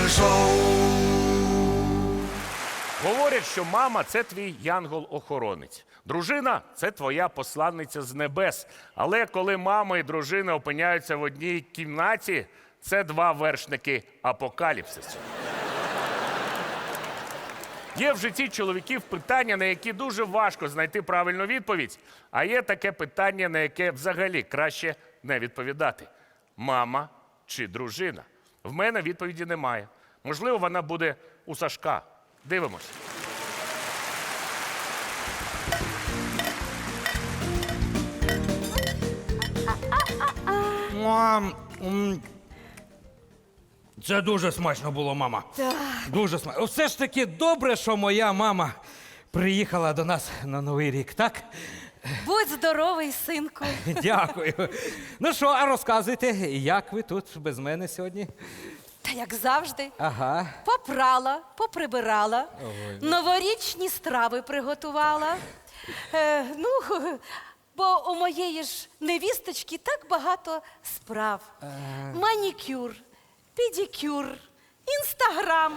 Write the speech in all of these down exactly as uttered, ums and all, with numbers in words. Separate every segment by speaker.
Speaker 1: шоу.
Speaker 2: Говорять, що мама – це твій янгол-охоронець. Дружина – це твоя посланниця з небес. Але коли мама і дружина опиняються в одній кімнаті, це два вершники апокаліпсису. Є в житті чоловіків питання, на які дуже важко знайти правильну відповідь, а є таке питання, на яке взагалі краще не відповідати. Мама чи дружина? В мене відповіді немає. Можливо, вона буде у Сашка. Дивимось.
Speaker 3: Мам, м, це дуже смачно було, мама.
Speaker 4: Так.
Speaker 3: Дуже смачно. Все ж таки добре, що моя мама приїхала до нас на Новий рік, так?
Speaker 4: Будь здоровий, синку.
Speaker 3: Дякую. Ну що, а розказуйте, як ви тут без мене сьогодні?
Speaker 4: Та як завжди.
Speaker 3: Ага.
Speaker 4: Попрала, поприбирала, новорічні страви приготувала. Е, ну, бо у моєї ж невісточки так багато справ. Манікюр, педикюр, інстаграм.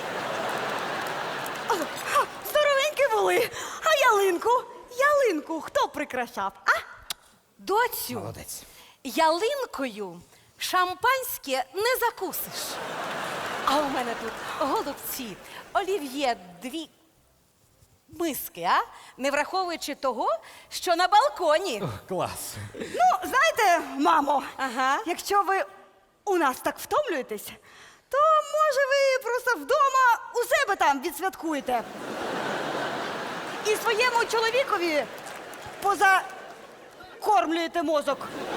Speaker 5: Здоровенькі були. А ялинку? Ялинку хто прикрашав? А?
Speaker 4: Доцю,
Speaker 3: Молодець.
Speaker 4: ялинкою шампанське не закусиш. А у мене тут голубці, олів'є, дві миски, а? Не враховуючи того, що на балконі.
Speaker 3: Клас.
Speaker 5: Ну, знаєте, мамо,
Speaker 4: Ага.
Speaker 5: якщо ви у нас так втомлюєтесь, то може ви просто вдома у себе там відсвяткуєте. І своєму чоловікові позакормлюєте мозок.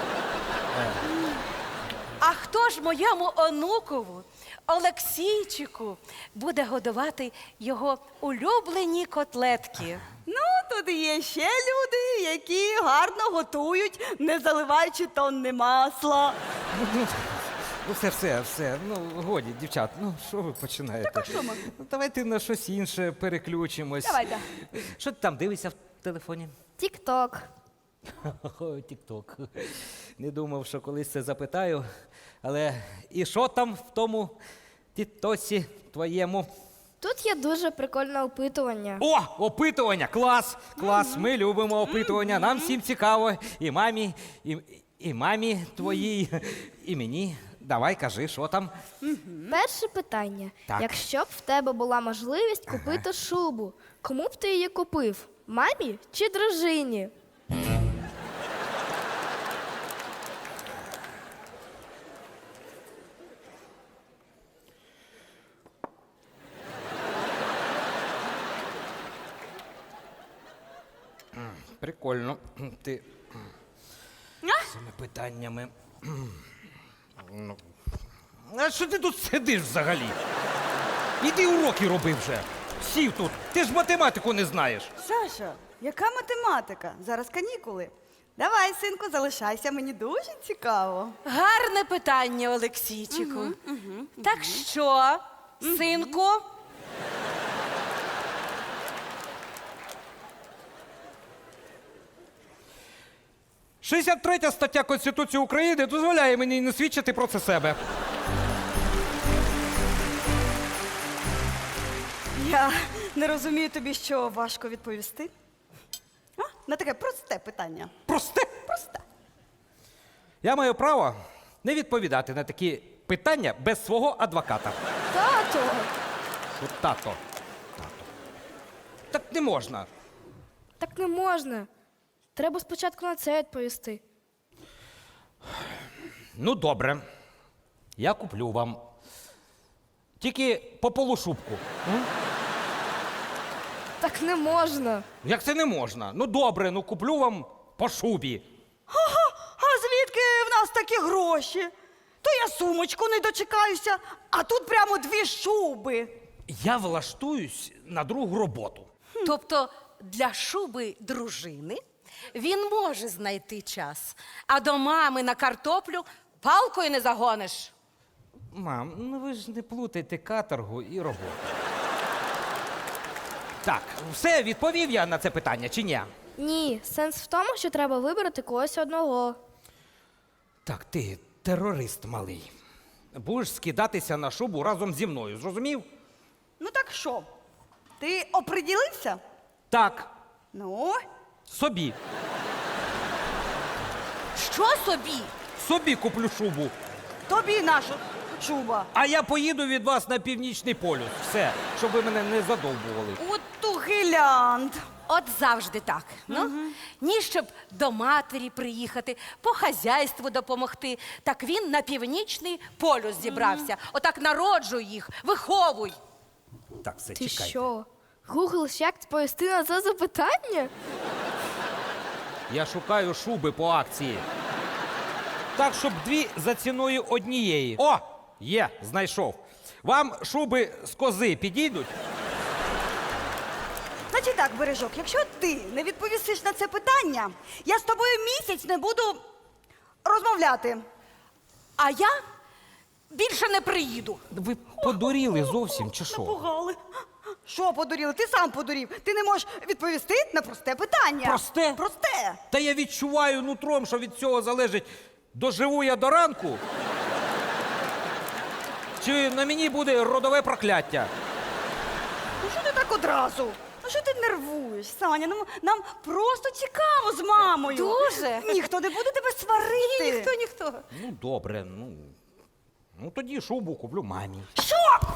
Speaker 4: А хто ж моєму онукову, Олексійчику, буде годувати його улюблені котлетки?
Speaker 5: Ну, тут є ще люди, які гарно готують, не заливаючи тонни масла.
Speaker 3: Ну, все, все, все. Ну, годі, дівчат, ну що ви починаєте?
Speaker 5: Так, а що ми?
Speaker 3: Ну, давайте на щось інше переключимось.
Speaker 5: Давайте.
Speaker 3: Що ти там дивишся в телефоні?
Speaker 6: Тік-ток.
Speaker 3: Ой, тік-ток. Не думав, що колись це запитаю. Але і що там в тому тітосі твоєму?
Speaker 6: Тут є дуже прикольне опитування.
Speaker 3: О, опитування! Клас! Клас! Ми любимо опитування. Нам всім цікаво. І мамі, і, і мамі твоїй, і мені. Давай, кажи, що там?
Speaker 6: Перше питання.
Speaker 3: Так.
Speaker 6: Якщо б в тебе була можливість купити шубу, кому б ти її купив? Мамі чи дружині?
Speaker 3: Прикольно. Ти з цими питаннями. Ну. А що ти тут сидиш взагалі? Іди уроки роби вже. Сів тут. Ти ж математику не знаєш.
Speaker 5: Саша, яка математика? Зараз канікули. Давай, синку, залишайся, мені дуже цікаво.
Speaker 4: Гарне питання, Олексійчику. Так що, синку?
Speaker 3: шістдесят третя стаття Конституції України дозволяє мені не свідчити проти себе.
Speaker 5: Я не розумію тобі, що важко відповісти. А? На таке просте питання.
Speaker 3: Просте.
Speaker 5: Просте.
Speaker 3: Я маю право не відповідати на такі питання без свого адвоката.
Speaker 6: Тато!
Speaker 3: От тато. Тато. Так не можна.
Speaker 6: Так не можна. Треба спочатку на це відповісти.
Speaker 3: Ну, добре. Я куплю вам. Тільки по полушубку. М?
Speaker 6: Так не можна.
Speaker 3: Як це не можна? Ну, добре, ну куплю вам по шубі.
Speaker 5: А звідки в нас такі гроші? То я сумочку не дочекаюся, а тут прямо дві шуби.
Speaker 3: Я влаштуюсь на другу роботу.
Speaker 4: Тобто для шуби дружини він може знайти час, а до мами на картоплю палкою не загониш.
Speaker 3: Мам, ну ви ж не плутайте каторгу і роботу. Так, все, відповів я на це питання, чи ні?
Speaker 6: Ні, сенс в тому, що треба вибрати когось одного.
Speaker 3: Так, ти терорист малий. будеш скидатися на шубу разом зі мною, зрозумів?
Speaker 5: Ну так що? Ти оприділився?
Speaker 3: Так,
Speaker 5: Ну,
Speaker 3: собі.
Speaker 4: Що собі?
Speaker 3: Собі куплю шубу.
Speaker 5: тобі наша шуба.
Speaker 3: А я поїду від вас на північний полюс. Все, щоб ви мене не задовбували.
Speaker 5: От тугилянд.
Speaker 4: От завжди так. Ну, ні, щоб до матері приїхати, по хазяйству допомогти. Так він на північний полюс зібрався. Отак народжуй їх, виховуй.
Speaker 3: Так, все,
Speaker 6: Ти
Speaker 3: чекайте.
Speaker 6: що? Гугл ще як відповісти на це запитання?
Speaker 3: Я шукаю шуби по акції. Так, щоб дві за ціною однієї. О! Є, знайшов. Вам шуби з кози підійдуть?
Speaker 5: Значить так, Бережок, якщо ти не відповісиш на це питання, я з тобою місяць не буду розмовляти.
Speaker 4: А я більше не приїду.
Speaker 3: Ви подуріли зовсім, чи що?
Speaker 5: Напугали. Що подуріли? Ти сам подурів. Ти не можеш відповісти на просте питання.
Speaker 3: Просте?
Speaker 5: Просте.
Speaker 3: Та я відчуваю нутром, що від цього залежить, доживу я до ранку, чи на мені буде родове прокляття.
Speaker 5: Ну що ти так одразу? Ну що ти нервуєш, Саня? Ну, нам просто цікаво з мамою.
Speaker 4: Дуже.
Speaker 5: Ніхто не буде тебе сварити.
Speaker 4: Ніхто, ніхто.
Speaker 3: Ну, добре, ну. Ну тоді шубу куплю мамі.
Speaker 5: Що?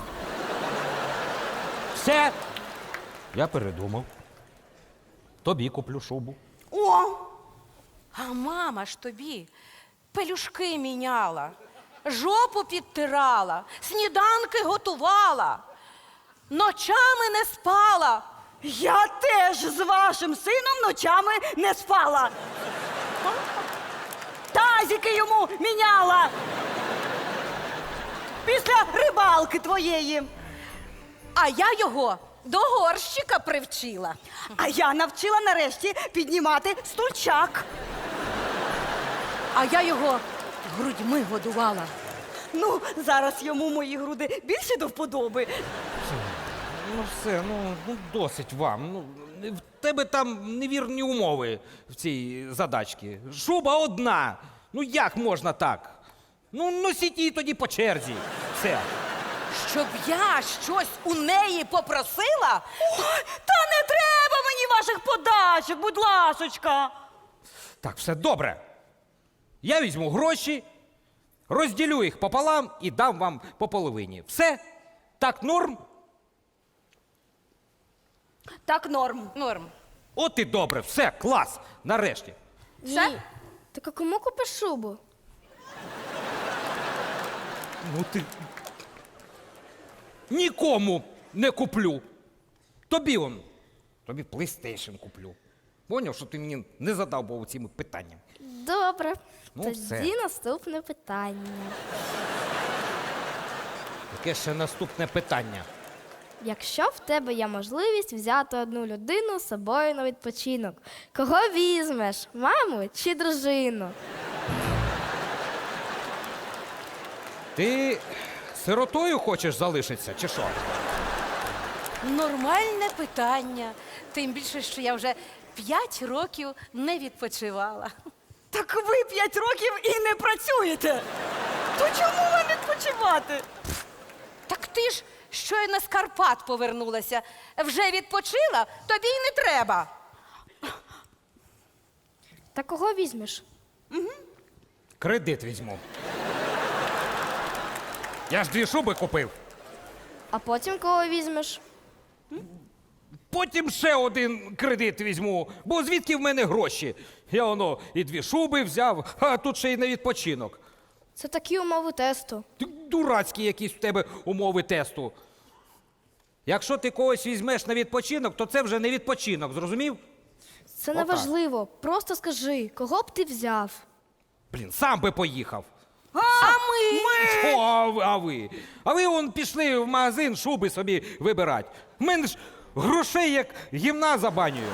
Speaker 3: Все. Я передумав. Тобі куплю шубу.
Speaker 5: О!
Speaker 4: А мама ж тобі пелюшки міняла, жопу підтирала, сніданки готувала, ночами не спала.
Speaker 5: Я теж з вашим сином ночами не спала. Тазики йому міняла. Після рибалки твоєї.
Speaker 4: А я його до горщика привчила.
Speaker 5: А я навчила нарешті піднімати стульчак.
Speaker 4: А я його грудьми годувала.
Speaker 5: Ну, зараз йому мої груди більше до вподоби.
Speaker 3: Ну все, ну, ну досить вам. Ну, в тебе там невірні умови в цій задачці. Шуба одна. Ну як можна так? Ну носіть її тоді по черзі. Все.
Speaker 4: Щоб я щось у неї попросила?
Speaker 5: Ой, та не треба мені ваших подачок, будь ласочка.
Speaker 3: Так, все добре. Я візьму гроші, розділю їх пополам і дам вам по половині. Все? Так, норм?
Speaker 5: Так, норм.
Speaker 4: Норм.
Speaker 3: От і добре, все, клас. Нарешті.
Speaker 4: Все?
Speaker 6: Ні. Так а кому купиш шубу?
Speaker 3: Ну ти. Нікому не куплю. Тобі он. Тобі PlayStation куплю. Поняв, що ти мені не задав був цими питаннями.
Speaker 6: Добре.
Speaker 3: Ну,
Speaker 6: Тоді
Speaker 3: все.
Speaker 6: наступне питання.
Speaker 3: Яке ще наступне питання?
Speaker 6: Якщо в тебе є можливість взяти одну людину з собою на відпочинок, кого візьмеш? Маму чи дружину?
Speaker 3: Ти сиротою хочеш залишитися, чи що?
Speaker 4: Нормальне питання. Тим більше, що я вже п'ять років не відпочивала.
Speaker 5: Так ви п'ять років і не працюєте. То чому вам відпочивати?
Speaker 4: Так ти ж щойно з Карпат повернулася. Вже відпочила, тобі й не треба.
Speaker 6: Та кого візьмеш?
Speaker 3: Кредит візьму. Я ж дві шуби купив.
Speaker 6: А потім кого візьмеш?
Speaker 3: Потім ще один кредит візьму, бо звідки в мене гроші? Я воно і дві шуби взяв, а тут ще й на відпочинок.
Speaker 6: Це такі умови тесту.
Speaker 3: Ти дурацькі якісь в тебе умови тесту. Якщо ти когось візьмеш на відпочинок, то це вже не відпочинок, зрозумів?
Speaker 6: Це не
Speaker 3: Отак.
Speaker 6: важливо. Просто скажи, кого б ти взяв?
Speaker 3: Блін, сам би поїхав.
Speaker 5: А,
Speaker 4: ми?
Speaker 3: Що, а ви? А ви, а ви вон пішли в магазин шуби собі вибирати. В мене ж грошей як гімна забанюю.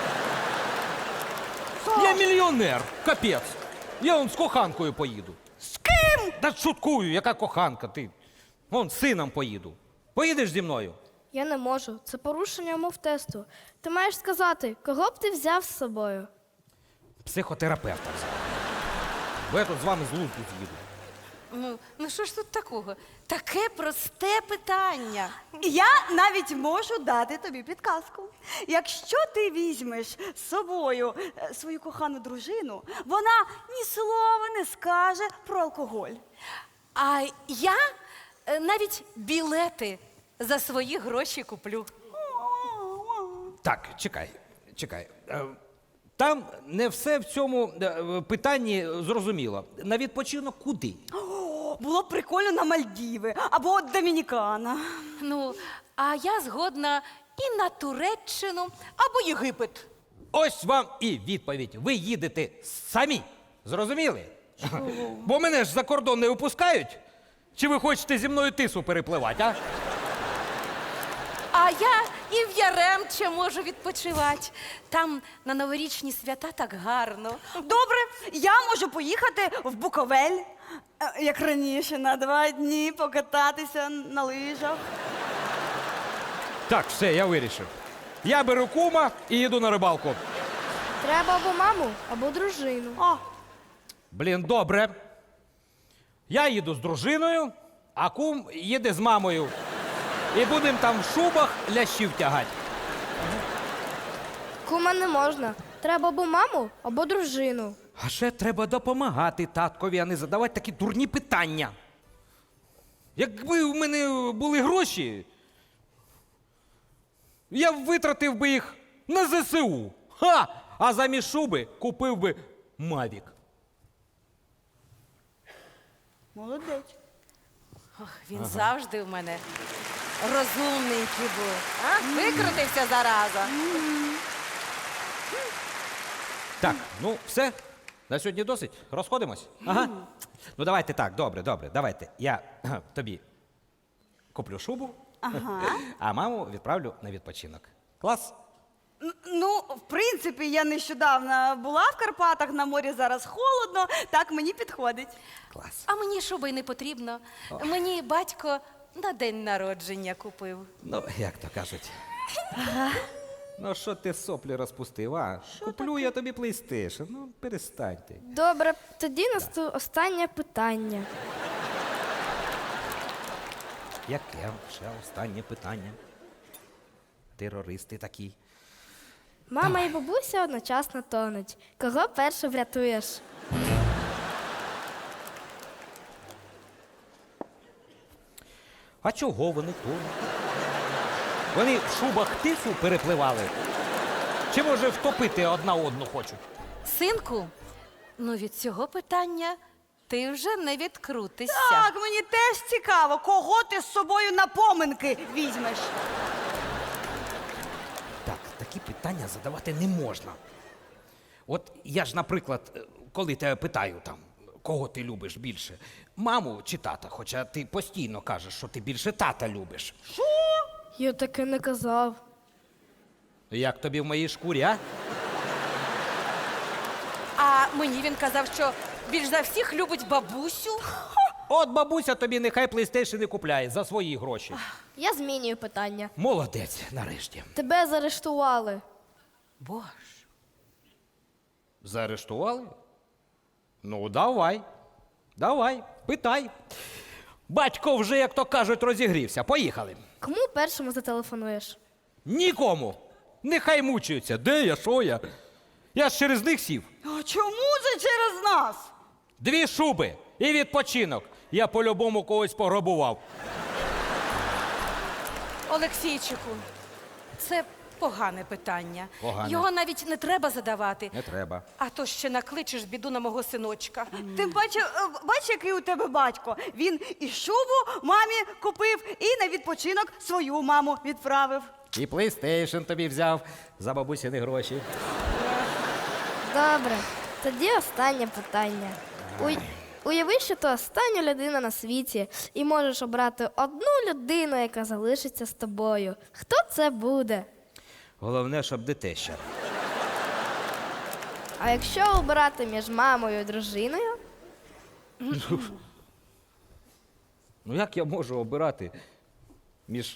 Speaker 3: Я мільйонер, капець. Я вон з коханкою поїду.
Speaker 5: З ким?
Speaker 3: Та шуткую, яка коханка ти. Вон з сином поїду. Поїдеш зі мною?
Speaker 6: Я не можу. Це порушення умов тесту. Ти маєш сказати, кого б ти взяв з собою?
Speaker 3: Психотерапевта взяв. Бо я тут з вами з лузду з'їду.
Speaker 4: Ну, ну що ж тут такого? Таке просте питання.
Speaker 5: Я навіть можу дати тобі підказку. Якщо ти візьмеш з собою е, свою кохану дружину, вона ні слова не скаже про алкоголь.
Speaker 4: А я е, навіть білети за свої гроші куплю.
Speaker 3: Так, чекай, чекай. Е, Там не все в цьому е, питанні зрозуміло. На відпочинок куди?
Speaker 5: О, було б прикольно на Мальдіви або Домінікана.
Speaker 4: Ну, а я згодна і на Туреччину або Єгипет.
Speaker 3: Ось вам і відповідь. Ви їдете самі. Зрозуміли? Бо мене ж за кордон не випускають. Чи ви хочете зі мною тису перепливати, а?
Speaker 4: А я і в Яремче можу відпочивати. Там на новорічні свята так гарно.
Speaker 5: Добре, я можу поїхати в Буковель, е, як раніше, на два дні покататися на лижах.
Speaker 3: Так, все, я вирішив. Я беру кума і їду на рибалку.
Speaker 6: Треба або маму, або дружину.
Speaker 5: А,
Speaker 3: Блін, добре. Я їду з дружиною, а кум їде з мамою. І будемо там в шубах лящів тягати.
Speaker 6: Кума не можна. Треба або маму, або дружину.
Speaker 3: А ще треба допомагати таткові, а не задавати такі дурні питання. Якби в мене були гроші, я б витратив би їх на зе се у. Ха! А замість шуби купив би Мавік.
Speaker 5: молодець.
Speaker 4: Ох, він завжди в мене розумненький був. А? Викрутився зараза.
Speaker 3: Так, ну все. На сьогодні досить. Розходимось? Ага. Ну давайте так, добре, добре. Давайте. Я кхе, тобі куплю шубу,
Speaker 5: Ага.
Speaker 3: а маму відправлю на відпочинок. Клас?
Speaker 5: Н- Ну, в принципі, я нещодавно була в Карпатах, на морі зараз холодно, так мені підходить.
Speaker 3: Клас.
Speaker 4: А мені шуби й не потрібно. Мені батько на день народження купив.
Speaker 3: Ну, як то кажуть. Ну, що ти соплі розпустив, а? Куплю я тобі PlayStation. Ну, перестань ти.
Speaker 6: Добре, тоді насту останнє питання.
Speaker 3: Яке ще останнє питання? Терористи такі.
Speaker 6: Мама і бабуся одночасно тонуть. Кого перше врятуєш?
Speaker 3: А чого вони тонуть? Вони в шубах тису перепливали? Чи, може, втопити одна одну хочуть?
Speaker 4: Синку, ну від цього питання ти вже не відкрутишся.
Speaker 5: Так, мені теж цікаво, кого ти з собою на поминки візьмеш.
Speaker 3: Так, такі питання задавати не можна. От я ж, наприклад, е, коли тебе питаю там, кого ти любиш більше, маму чи тата, хоча ти постійно кажеш, що ти більше тата любиш.
Speaker 6: Я таке не казав.
Speaker 3: Як тобі в моїй шкурі, а?
Speaker 4: А мені він казав, що більш за всіх любить бабусю.
Speaker 3: От бабуся тобі нехай PlayStation не купляє за свої гроші.
Speaker 6: Я змінюю питання.
Speaker 3: Молодець, нарешті.
Speaker 6: Тебе заарештували.
Speaker 4: Боже.
Speaker 3: Заарештували? Ну, давай. Давай, питай. Батько вже, як то кажуть, розігрівся. Поїхали.
Speaker 6: Кому першому зателефонуєш?
Speaker 3: Нікому. Нехай мучаються. Де я, що я? Я ж через них сів.
Speaker 5: А чому це через нас?
Speaker 3: Дві шуби і відпочинок. Я по-любому когось пограбував.
Speaker 4: Олексійчику, це погане питання.
Speaker 3: Погане.
Speaker 4: Його навіть не треба задавати.
Speaker 3: Не треба.
Speaker 4: А то ще накличеш біду на мого синочка.
Speaker 5: Тим паче, е, бач, який у тебе батько. Він і шубу мамі купив, і на відпочинок свою маму відправив.
Speaker 3: І PlayStation тобі взяв за бабусіни гроші.
Speaker 6: Добре, тоді останнє питання. Уй... Уяви, що ти остання людина на світі і можеш обрати одну людину, яка залишиться з тобою. Хто це буде?
Speaker 3: Головне, щоб дитеща.
Speaker 6: А якщо обирати між мамою і дружиною?
Speaker 3: Ну як я можу обирати між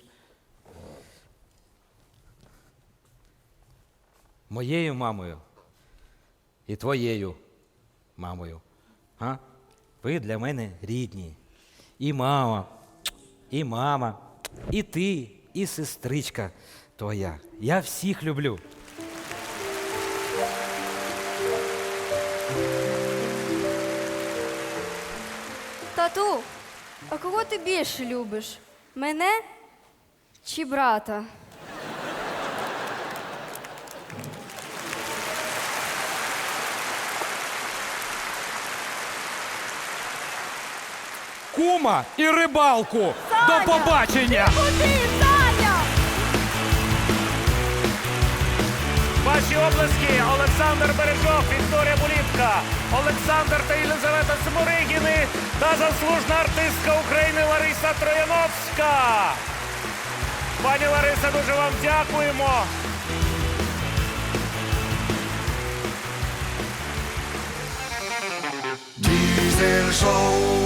Speaker 3: моєю мамою і твоєю мамою? А? Ви для мене рідні. І мама, і мама, і ти, і сестричка твоя. Я всіх люблю.
Speaker 1: Тату, а кого ти більше любиш? Мене чи брата?
Speaker 3: Кума і рибалку! До побачення!
Speaker 5: Куди, Саня?
Speaker 2: Ваші облески Олександр Бережок, Вікторія Булітка, Олександр та Єлизавета Сморигіни та заслужена артистка України Лариса Трояновська. Пані Лариса, дуже вам дякуємо.
Speaker 7: Diesel Show.